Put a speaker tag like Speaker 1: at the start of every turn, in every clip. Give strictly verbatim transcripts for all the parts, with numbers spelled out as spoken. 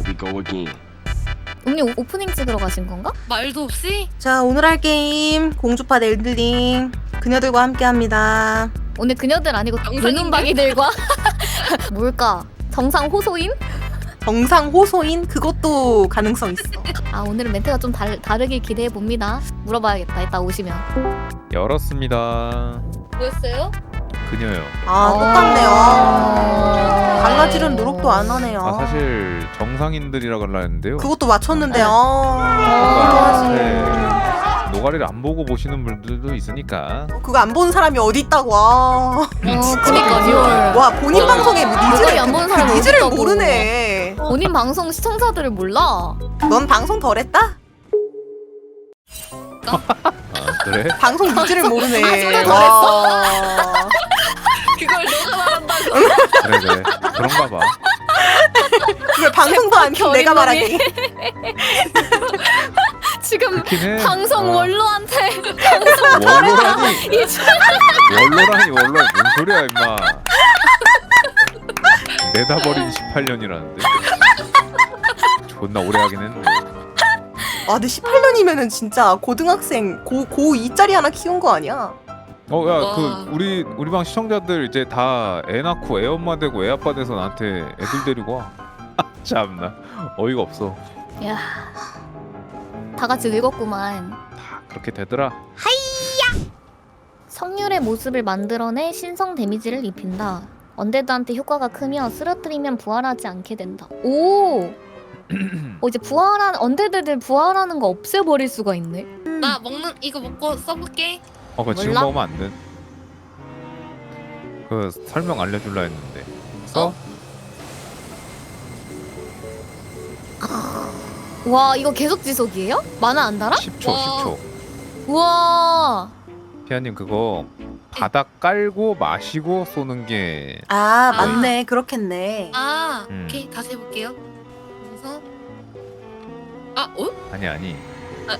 Speaker 1: we go again.
Speaker 2: 언니 오- 오프닝 찍으러 가신 건가?
Speaker 3: 말도 없이?
Speaker 4: 자, 오늘 할 게임 공주파 엘들링 그녀들과 함께합니다.
Speaker 2: 오늘 그녀들 아니고 눈은박이들과 뭘까? 정상 호소인?
Speaker 4: 정상 호소인 그것도 가능성 있어.
Speaker 2: 아 오늘은 멘트가 좀 달, 다르길 기대해 봅니다. 물어봐야겠다. 이따 오시면.
Speaker 5: 열었습니다.
Speaker 3: 뭐였어요?
Speaker 5: 그녀요.
Speaker 4: 아, 똑같네요. 갈라지는 노력도 안 하네요.
Speaker 5: 아 사실 정상인들이라 갈라 했는데요.
Speaker 4: 그것도 맞췄는데요.
Speaker 5: 뭔가 네, 노가리를 안 보고 보시는 분들도 있으니까.
Speaker 4: 그거 안 보는 사람이 어디 있다고. 와,
Speaker 2: 어, 그니까요.
Speaker 4: 와 본인
Speaker 3: 어.
Speaker 4: 방송에
Speaker 2: 노가리
Speaker 4: 니즈를
Speaker 2: 안 보는
Speaker 4: 그
Speaker 2: 사람이
Speaker 4: 니즈를
Speaker 2: 어디 있다고.
Speaker 4: 모르네.
Speaker 2: 본인 방송 시청자들을 몰라.
Speaker 4: 넌 방송 덜했다?
Speaker 5: 아 그래?
Speaker 4: 방송 니즈를 모르네.
Speaker 2: 아, 진짜
Speaker 4: 와.
Speaker 3: 그걸 너가 말한다고.
Speaker 5: 그래 그래. 그런가 봐.
Speaker 4: 그걸 방송도 안 켜 내가 말하기.
Speaker 2: 지금
Speaker 5: 그렇긴 해.
Speaker 2: 방송
Speaker 5: 어.
Speaker 2: 원로한테
Speaker 5: 원로라니.
Speaker 2: 이제
Speaker 5: 원로라니 원로. 뭔 소리야 임마. 내다버린 십팔 년이라는데. 존나 오래 하긴 했네.
Speaker 4: 아, 근데 십팔 년이면은 진짜 고등학생 고 고이 짜리 하나 키운 거 아니야?
Speaker 5: 어 야
Speaker 3: 와.
Speaker 5: 그 우리 우리 방 시청자들 이제 다 애 낳고 애 엄마 되고 애 아빠 돼서 나한테 애들 데리고 와. 참나 어이가 없어.
Speaker 2: 야, 다 같이 늙었구만.
Speaker 5: 다 그렇게 되더라.
Speaker 2: 성률의 모습을 만들어내 신성 데미지를 입힌다. 언데드한테 효과가 크며 쓰러뜨리면 부활하지 않게 된다. 오! 어, 이제 부활한 언데드들 부활하는 거 없애버릴 수가 있네.
Speaker 3: 나 먹는 이거 먹고 써볼게.
Speaker 5: 어 그거 지금
Speaker 2: 몰라?
Speaker 5: 먹으면 안 돼. 그 설명 알려줄라 했는데. 써?
Speaker 3: 어?
Speaker 2: 와, 이거 계속 지속이에요? 만화 안 달아?
Speaker 5: 십 초
Speaker 3: 와.
Speaker 5: 십 초.
Speaker 2: 우와.
Speaker 5: 피아님 그거 바닥 깔고 마시고 쏘는 게
Speaker 4: 아, 맞네. 그렇겠네.
Speaker 3: 아,
Speaker 5: 음.
Speaker 3: 오케이 다시 해볼게요. 그래서 아, 어?
Speaker 5: 아니 아니.
Speaker 3: 아,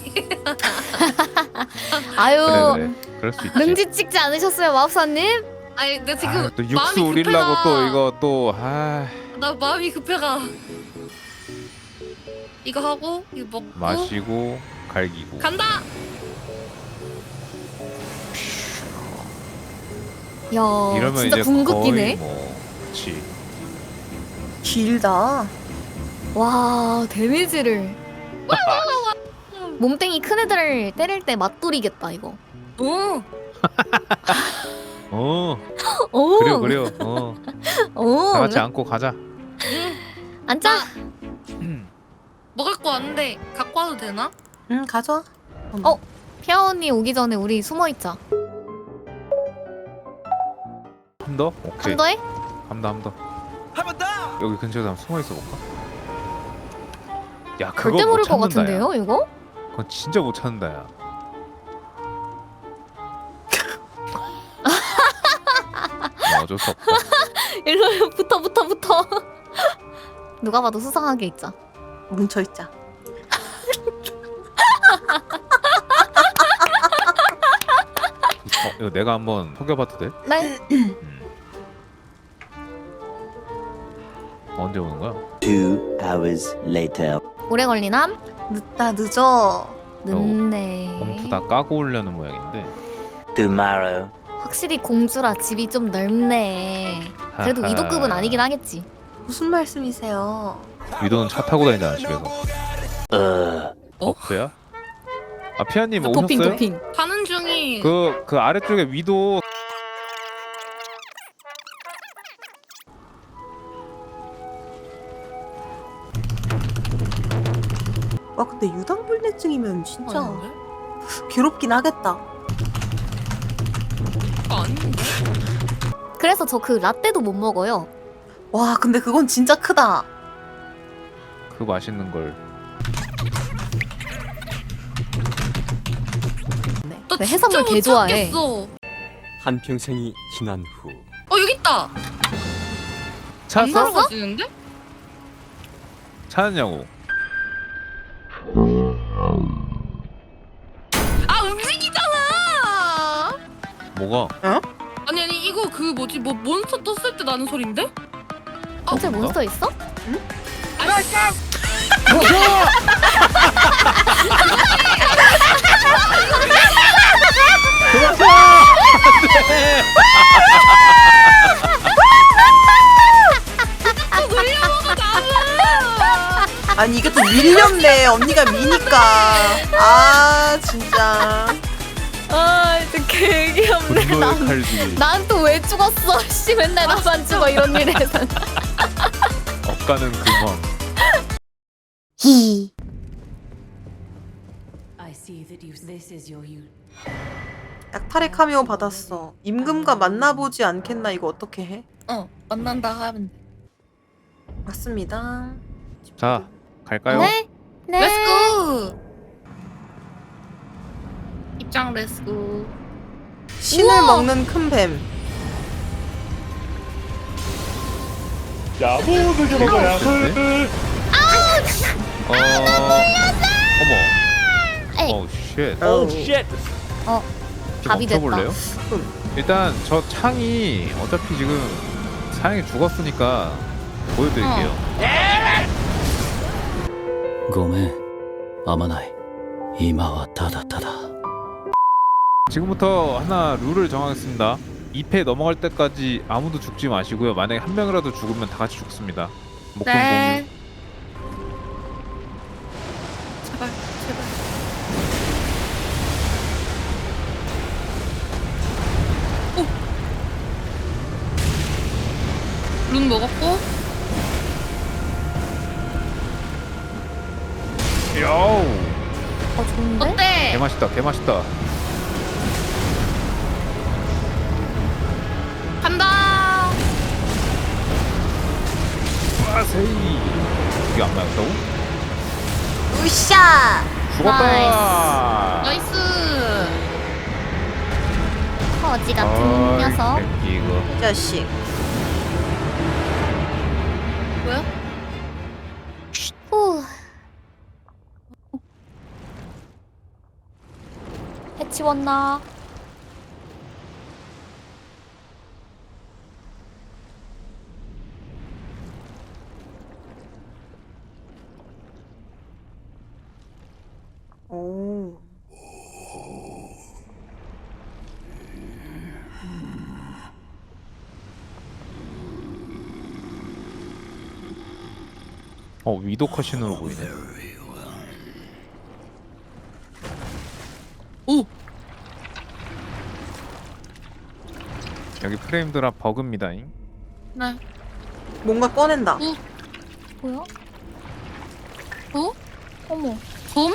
Speaker 2: 아유,
Speaker 5: 그래 그래. 그럴 수 있지.
Speaker 2: 능지 찍지 않으셨어요, 마법사님?
Speaker 3: 아니 나 지금
Speaker 5: 아, 또 육수
Speaker 3: 마음이
Speaker 5: 우리려고
Speaker 3: 급해가.
Speaker 5: 또 이거 또 아.
Speaker 3: 나 마음이 급해가. 이거 하고 이거 먹고
Speaker 5: 마시고 갈기고.
Speaker 3: 간다.
Speaker 2: 야,
Speaker 5: 이러면
Speaker 2: 진짜
Speaker 5: 이제
Speaker 2: 궁극기네.
Speaker 5: 거의 뭐 그렇지.
Speaker 4: 길다.
Speaker 2: 와, 데미지를. 몸땡이 큰 애들 때릴 때 맞돌이겠다 이거.
Speaker 3: 오,
Speaker 5: 어
Speaker 2: 오,
Speaker 5: 그래요 그래요. 어.
Speaker 2: 오,
Speaker 5: 다 같이 안고 가자.
Speaker 2: 앉아.
Speaker 3: 먹을 거 왔는데 갖고 와도 되나?
Speaker 4: 응, 가져.
Speaker 2: 어, 피아 언니 오기 전에 우리 숨어 있자.
Speaker 5: 한 더? 오케이.
Speaker 2: 한 더해?
Speaker 5: 한 더, 한 더. 여기 근처에서 한번 숨어 있어 볼까? 야, 그거
Speaker 2: 절대
Speaker 5: 못
Speaker 2: 모를 것
Speaker 5: 찾는다, 야.
Speaker 2: 같은데요, 이거?
Speaker 5: 그건 진짜 못 찾는다, 야. 뭐 어쩔 수 없다.
Speaker 2: 일로 붙어, 붙어, 붙어. 누가 봐도 수상하게 있자.
Speaker 4: 뭉쳐 있자.
Speaker 5: 어, 이거 내가 한번 속여봐도 돼?
Speaker 2: 네.
Speaker 5: 음. 언제 오는 거야?
Speaker 1: Two hours later.
Speaker 2: 오래 걸리남?
Speaker 4: 늦다 늦어.
Speaker 2: 늦네.
Speaker 5: 봉투 다 까고 오려는 모양인데.
Speaker 1: Tomorrow.
Speaker 2: 확실히 공주라 집이 좀 넓네. 그래도
Speaker 5: 하하.
Speaker 2: 위도급은 아니긴 하겠지.
Speaker 4: 무슨 말씀이세요?
Speaker 5: 위도는 차 타고 다니잖아, 집에서.
Speaker 1: Uh.
Speaker 3: 어?
Speaker 5: 버프야? 아, 피아님
Speaker 2: 그 도핑,
Speaker 5: 오셨어요?
Speaker 2: 도핑.
Speaker 3: 가는 중이.
Speaker 5: 그, 그 아래쪽에 위도
Speaker 4: 와, 근데 유당불내증이면 진짜
Speaker 3: 아닌데?
Speaker 4: 괴롭긴 하겠다.
Speaker 3: 그거 아닌데?
Speaker 2: 그래서 저 그 라떼도 못 먹어요.
Speaker 4: 와, 근데 그건 진짜 크다.
Speaker 5: 그 맛있는 걸.
Speaker 3: 나
Speaker 2: 네,
Speaker 3: 진짜
Speaker 2: 해산물
Speaker 3: 못
Speaker 2: 개 좋아해.
Speaker 3: 찾겠어.
Speaker 1: 한평생이 지난 후.
Speaker 3: 어 여기 있다. 안
Speaker 5: 찾았어?
Speaker 3: 들어가지는데?
Speaker 5: 찾았냐고.
Speaker 3: 아 움직이잖아.
Speaker 5: 뭐가?
Speaker 3: 아니 아니 이거 그 뭐지 뭐 몬스터 떴을 때 나는 소린데?
Speaker 2: 진짜
Speaker 5: 뭔가?
Speaker 2: 몬스터 있어?
Speaker 4: 아니 이게 또 밀렸네. 언니가 미니까. 아 진짜.
Speaker 2: 아 진짜 개귀엽네.
Speaker 5: 분노의 칼질.
Speaker 2: 난 또 왜 죽었어? 씨 맨날 나만 죽어 이런 일에서.
Speaker 5: 억가는 금왕.
Speaker 2: 히.
Speaker 6: I see that you. This is your you.
Speaker 4: 약탈의 카메오 받았어. 임금과 만나보지 않겠나. 이거 어떻게 해?
Speaker 3: 어 만난다 하면 돼.
Speaker 4: 맞습니다.
Speaker 5: 자 갈까요?
Speaker 2: 네. 네.
Speaker 3: 렛츠고. 입장 렛츠고.
Speaker 4: 신을
Speaker 2: 우와!
Speaker 4: 먹는 큰 뱀.
Speaker 5: 야무지게 먹어 야무지게. 어... 어머.
Speaker 2: 에이.
Speaker 5: 오 쉣.
Speaker 4: 오
Speaker 2: 어. 답이 됐다.
Speaker 5: 멈춰볼래요? 일단 저 창이 어차피 지금 사양이 죽었으니까 보여드릴게요.
Speaker 1: ごめんあまない今はただただ
Speaker 5: 지금부터 하나 룰을 정하겠습니다. 이 패 넘어갈 때까지 아무도 죽지 마시고요. 만약에 한 명이라도 죽으면 다 같이 죽습니다. 목돈
Speaker 3: 네.
Speaker 5: 공유.
Speaker 3: 제발 제발. 오. 룬 먹었고.
Speaker 5: 야우.
Speaker 2: 어 좋은데?
Speaker 3: 어때?
Speaker 5: 개맛있다 개맛있다.
Speaker 3: 간다.
Speaker 5: 와세이. 이게 안 맞았다고?
Speaker 4: 으쌰.
Speaker 5: 죽었다.
Speaker 3: 나이스.
Speaker 2: 거지 같은
Speaker 5: 아이,
Speaker 2: 녀석.
Speaker 5: 새끼 이거.
Speaker 4: 이 자식.
Speaker 3: 뭐야?
Speaker 2: 후. 해치웠나?
Speaker 4: 오.
Speaker 5: 어 위도 컷신으로 보이네.
Speaker 3: 오.
Speaker 5: 여기 프레임 드랍 버그입니다잉.
Speaker 3: 네.
Speaker 4: 뭔가 꺼낸다.
Speaker 2: 뭐야?
Speaker 3: 어?
Speaker 2: 어머.
Speaker 3: 곰?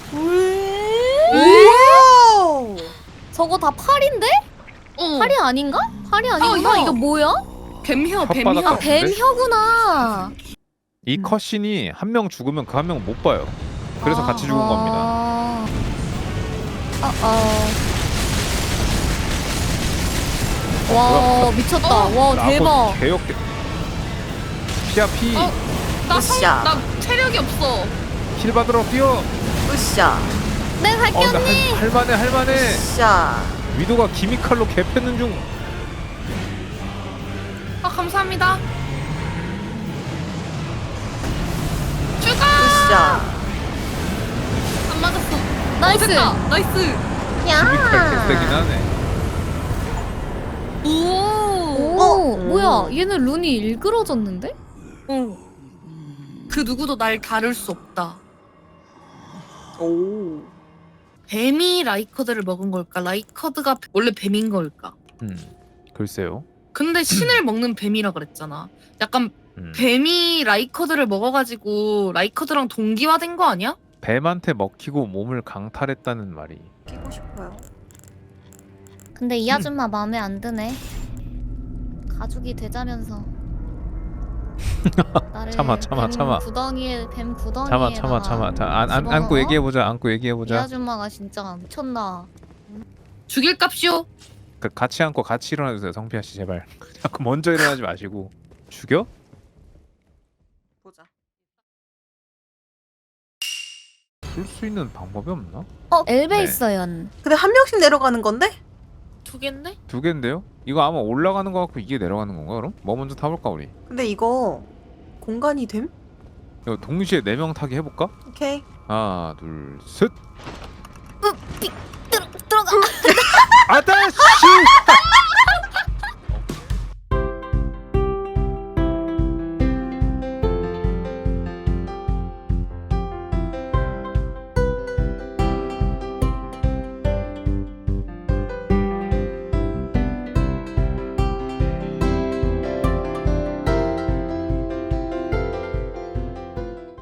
Speaker 4: 오.
Speaker 2: 저거 다 팔인데?
Speaker 3: 어.
Speaker 2: 팔이 아닌가? 팔이 아니구나.
Speaker 3: 어, 이거,
Speaker 2: 이거 뭐야?
Speaker 3: 뱀혀
Speaker 5: 혓바닥
Speaker 3: 뱀혀.
Speaker 2: 아 뱀혀구나.
Speaker 5: 이 컷신이 한 명 죽으면 그 한 명은 못 봐요. 그래서
Speaker 3: 아.
Speaker 5: 같이 죽은 겁니다.
Speaker 2: 아, 어. 와 미쳤다. 와 대박.
Speaker 5: 개역개. 피야 피.
Speaker 3: 어. 나,
Speaker 4: 으쌰.
Speaker 3: 성, 나 체력이 없어.
Speaker 5: 힐 받으러 뛰어.
Speaker 4: 으쌰.
Speaker 2: 네 갈게
Speaker 5: 어, 근데
Speaker 2: 언니.
Speaker 5: 할, 할만해 할만해.
Speaker 4: 으쌰.
Speaker 5: 위도가 기미칼로 개패는 중.
Speaker 3: 아 감사합니다. 죽어.
Speaker 4: 으쌰.
Speaker 3: 안 맞았어.
Speaker 2: 나이스.
Speaker 3: 어, 됐다. 나이스.
Speaker 5: 기미칼 개세긴 하네.
Speaker 3: 오.
Speaker 2: 오
Speaker 4: 어?
Speaker 2: 뭐야? 얘는 룬이 일그러졌는데?
Speaker 3: 어. 그 누구도 날 다룰 수 없다.
Speaker 4: 오.
Speaker 3: 뱀이 라이커드를 먹은 걸까? 라이커드가 원래 뱀인 걸까?
Speaker 5: 음, 글쎄요.
Speaker 3: 근데 신을 먹는 뱀이라 그랬잖아. 약간
Speaker 5: 음.
Speaker 3: 뱀이 라이커드를 먹어가지고 라이커드랑 동기화된 거 아니야?
Speaker 5: 뱀한테 먹히고 몸을 강탈했다는 말이.
Speaker 4: 끼고 싶어요.
Speaker 2: 근데 이 아줌마 마음에 안 드네. 가죽이 되자면서. 나를
Speaker 5: 참아, 참아,
Speaker 2: 뱀
Speaker 5: 참아.
Speaker 2: 구덩이에 뱀 구덩이에
Speaker 5: 참아 참아 참아. 자, 안, 안, 안고
Speaker 2: 집어넣어?
Speaker 5: 얘기해보자. 안고
Speaker 2: 이
Speaker 5: 얘기해보자.
Speaker 2: 아줌마가 진짜 미쳤나.
Speaker 3: 죽일 값이오.
Speaker 5: 그, 같이 안고 같이 일어나주세요. 성피아 씨 제발. 자꾸 먼저 일어나지 마시고. 죽여?
Speaker 4: 보자.
Speaker 5: 풀 수 있는 방법이 없나?
Speaker 2: 어 엘베
Speaker 5: 네.
Speaker 2: 있어요.
Speaker 4: 근데 한 명씩 내려가는 건데?
Speaker 3: 두 갠데?
Speaker 5: 두 개인데요? 이거 아마 올라가는 거 같고 이게 내려가는 건가 그럼? 뭐 먼저 타볼까 우리?
Speaker 4: 근데 이거 공간이 됨?
Speaker 5: 이거 동시에 네 명 타기 해볼까?
Speaker 4: 오케이.
Speaker 5: 하나 둘 셋.
Speaker 2: 들어, 들어가.